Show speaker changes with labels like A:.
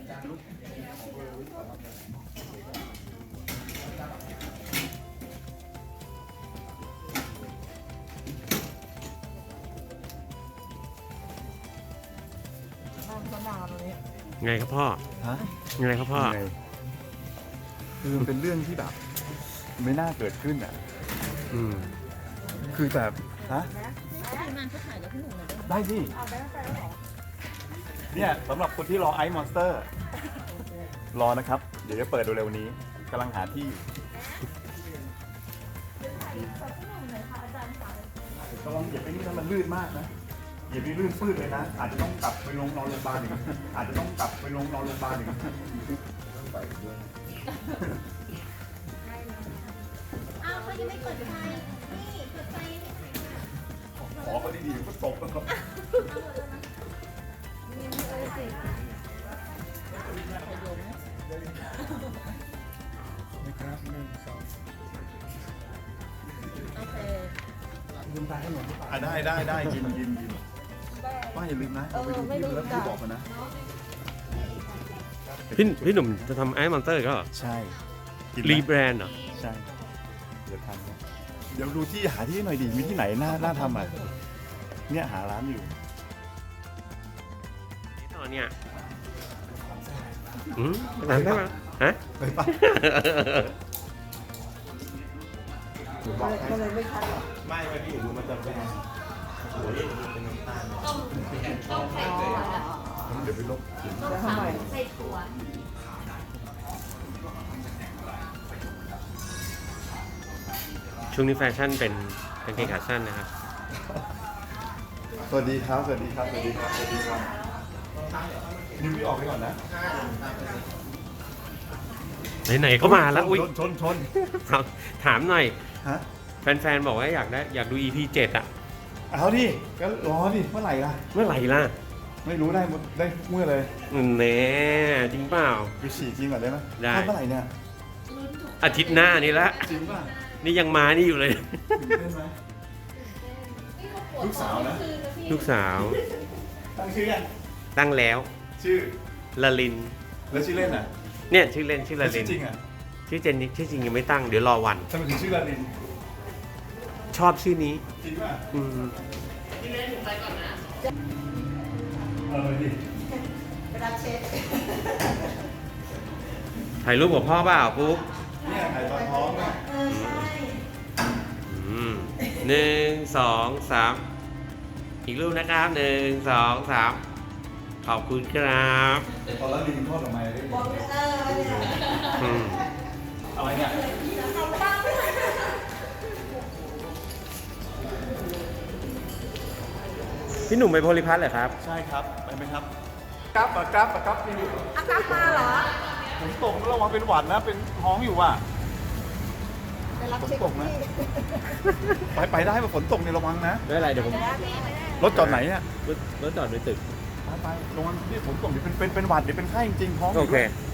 A: ไงครับพ่อ
B: ฮะ
A: ไงครับพ่อ
B: ยังไงคือมันเป็นเรื่องที่แบบไม่น่าเกิดขึ้นอ่ะ
A: อืม
B: คือแบบฮะ
C: ทีมงานเขาถ่ายกับพี่หนุ่มเลยด้วย
B: ได้สิเนี่ยสำหรับคนที่รอไอซ์มอนสเตอร์รอนะครับ เดี๋ยวจะเปิดเร็วๆนี้กำลังหาที่อยู่ก็ลองเหยียบไปนี่ถ้ามันลื่นมากนะเหยียบไปลื่นฟืดเลยนะ อาจจะต้องกลับไปนอนโรงพยาบาลอีกอาจจะต้องกลับไปนอนโรงพยาบาลอีก
C: อ้าวเขายังไม่เปิดไฟนี่เปิดไฟนี่
B: ขอเขาดีๆก็ตกแล้วครับ
C: โอเค
B: ได้ยินป้าอย่าลืมนะไปดูที่แล้วพี่บอกมานะ
A: พี่หนุ่มจะทำไอซ์มอนสเตอร์ก็
B: ใช่
A: รีแบรนด์เหรอ
B: ใช่เดี๋ยวทำนะเดี๋ยวดูที่หาที่หน่อยดิมีที่ไหนน่าทำอ่ะเนี่ยหาร้านอยู่
A: นี่ตอนเนี้ยไปถามได้ไหมฮะ
B: ไปปะก็เลยไม่ทันหรอไม่ไปพี่ดูมันจะเป็นเดี๋ยวไปลบ
C: ใส่ถั่ว
A: ช่วงนี้แฟชั่นเป็นกางเกงขาสั้นนะครับ
B: สวัสดีครับนิวพี่ออกไปก่อนนะ
A: ไหนๆก็มาแล้วอุ้ย
B: ชน
A: ถามหน่อย
B: ฮะ
A: แฟนๆบอกว่าอยากดู EP 7 อ่ะ
B: เอาดิก็รอดิเมื่อไหร่ล่ะ
A: เมื่อไหร่ล่ะ
B: ไม่รู้ได้เมื่อเลย
A: แน่จริงเปล่า
B: ไปฉี่จริงก่อนได้ไหม
A: ได้
B: เมื่อไหร่เนี่ย
A: อาทิตย์หน้านี่ละ
B: จริงป่ะ
A: นี่ยังมานี่อยู่เลย
B: ตื่นเต้นไหมลูกสาวนะ
A: ลูกสาว
B: ตั้งชื่อยัง
A: ตั้งแล้ว
B: ชื่อ
A: ลลิน
B: แล้วชื่อเล่นอ่ะ
A: เนี่ยชื่อเล่นชื่อล
B: แล้ว
A: ลิ
B: ชื่อน จริงอ่ะ
A: ชื่อเจนนี่ชื่อจริงยังไม่ตั้งเดี๋ยวรอวัน
B: ทำไมถึงชื่อลาลิน
A: ชอบชื่อนี้
B: จริงป่ะ
A: อืม
B: ดิ
A: ถ่ายรูปกับพ่อเปล่าปุ๊บ
B: เนี่ยไข่ตอนท้องเนี่ย
A: 1 2 3อีกรูปนะครับ1 2 3ขอบคุณครับ
B: ตอนลาลินทอดออกมาได้
A: อืม
B: อะไรเนี่ย
A: พี่หนุ่มไปโพลิพัทเหรอครับ
B: ใช่ครับไปไหมครับกราฟนี่
C: กลับมาเหรอ
B: ฝนตกระวังเป็นหวัดนะเป็นท้องอยู่อ่ะ
C: ไปรับ
B: ฝน
C: เช็ค
B: ตกนะไปได้ป่ะฝนตกเนี่ยระวังนะ
A: ไม่เป็นไรเดี๋ยวผม
B: รถจอดไหนอ่ะ
A: รถจอดในตึก
B: ไประวังนี่ฝนตกเดี๋ยวเป็นหวัดเดี๋ยวเป็นไข้จริงๆท้องอยู่
A: โอเค
B: ด้วย